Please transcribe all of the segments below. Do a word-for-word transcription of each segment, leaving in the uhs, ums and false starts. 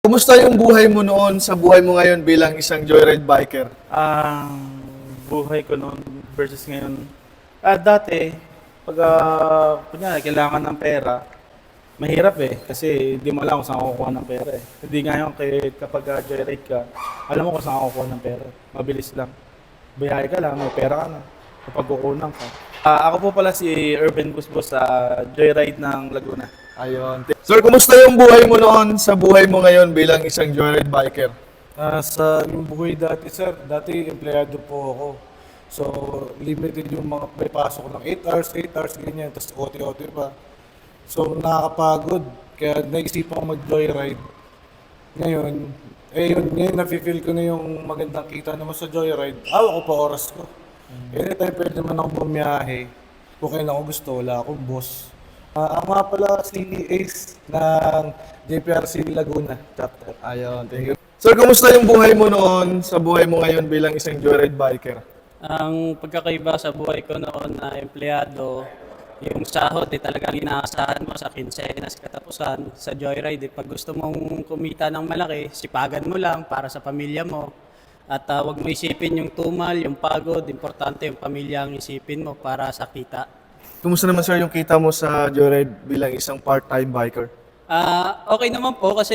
Kumusta yung buhay mo noon sa buhay mo ngayon bilang isang joyride biker? Ang buhay ko noon versus ngayon. Ah, dati, pag uh, kunyari, kailangan ng pera, mahirap eh. Kasi hindi mo alam kung saan kukuha ng pera eh. Hindi ngayon kay, kapag uh, joyride ka, alam mo kung saan kukuha ng pera. Mabilis lang. Biyahe ka lang, may pera ka na. Kapag kukunan ka. Ah, ako po pala si Urban Busbos sa Joyride ng Laguna. Ayun. Sir, kumusta yung buhay mo noon sa buhay mo ngayon bilang isang joyride biker? Ah, sa yung buhay dati, sir, dati empleyado po ako. So, limited yung mga may pasok ng eight hours, eight hours, ganyan, tapos O T O T pa. So, nakakapagod. Kaya naisipan ko mag-joyride. Ngayon, eh yun, ngayon nafe-feel ko na yung magandang kita naman sa joyride. Hawak ko pa oras ko. Anytime pwede naman ako bumiyahe. Kung kailan ako gusto, wala akong boss. Ah, ako nga pala si Ace ng J P R C Laguna chapter. Ayun, thank you. Sir, kumusta yung buhay mo noon sa buhay mo ngayon bilang isang joyride biker? Ang pagkakaiba sa buhay ko noon na empleyado, yung sahod eh talagang inaasahan mo sa kinsena sa katapusan. Sa joyride, eh, pag gusto mong kumita ng malaki, sipagan mo lang para sa pamilya mo. At uh, wag mo isipin yung tumal, yung pagod, importante yung pamilya ang isipin mo para sa kita. Kumusta naman sir yung kita mo sa joyride bilang isang part-time biker? Ah, okay naman po kasi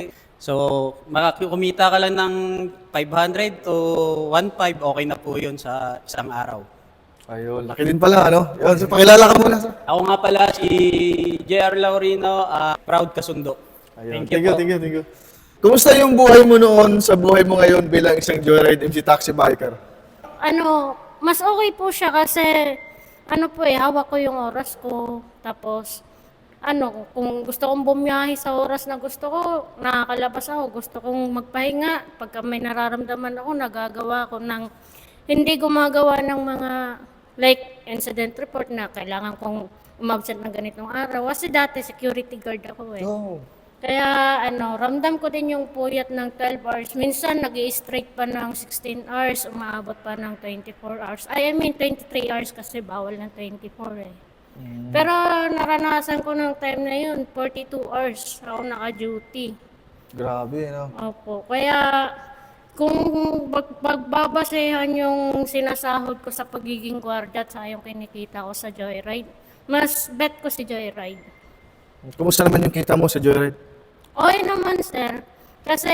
so makakumita ka lang ng five hundred to one five, okay na po 'yun sa isang araw. Ayun, laki din pala, ano? Yun, so pakilala ka muna sir. Ako nga pala si J R Laurino, ah, proud kasundo. Ayun, Thank you thank you, po. thank you, thank you. Kumusta yung buhay mo noon sa buhay mo ngayon bilang isang joyride M C taxi biker? Ano, mas okay po siya kasi ano po eh, hawak ko yung oras ko. Tapos, ano, kung gusto kong bumiyahe sa oras na gusto ko, nakakalabas ako. Gusto kong magpahinga. Pagka may nararamdaman ako, nagagawa ko ng hindi gumagawa ng mga like incident report na kailangan kong umabsent ng ganitong araw. Kasi dati security guard ako eh. Oh. Kaya ano, ramdam ko din yung puyat ng twelve hours. Minsan nag straight pa ng sixteen hours, umaabot pa ng twenty-four hours. Ay, I mean twenty-three hours kasi bawal ng twenty-four eh. Mm. Pero naranasan ko ng time na yun, forty-two hours ako naka-duty. Grabe, no? Opo, kaya kung bag- bagbabasehan yung sinasahod ko sa pagiging gwardiya at sa yung kinikita ko sa Joyride, mas bet ko si Joyride. Kumusta naman yung kita mo sa joyride? Okay naman, sir. Kasi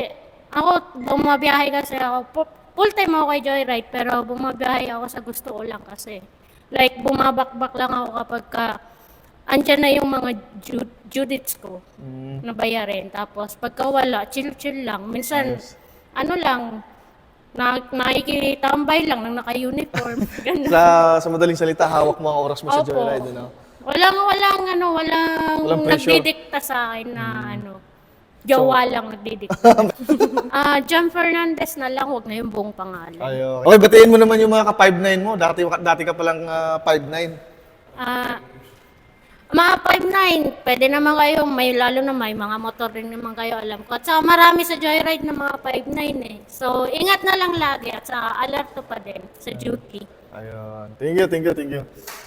ako, bumabiyahe kasi ako. pu- Full time ako kay Joyride, pero bumabiyahe ako sa gusto ko lang kasi. Like, bumabakbak lang ako kapag ka, andyan na yung mga ju- judits ko na bayarin. Tapos, pagka wala, chill-chill lang. Minsan, ano lang, na, nakikitambay lang nang naka-uniform. Ganun. Sa, sa madaling salita, hawak mo ang oras mo sa Opo. joyride, ano? Walang, walang, ano, walang, Walang pressure. nagdidikta sa akin na, ano, jowa lang nagdidikta. Ah, John Fernandez na lang, huwag na yung buong pangalan. Ayo. Okay, batiin mo naman yung mga ka five nine mo. Dati, dati ka palang uh, five nine. Ah, mga five nine, pwede naman kayo, may lalo na may mga motor rin naman kayo, alam ko. At saka marami sa joyride na mga five nine eh. So, ingat na lang lagi at saka alerto pa din sa duty. Ayun. Thank you, thank you, thank you.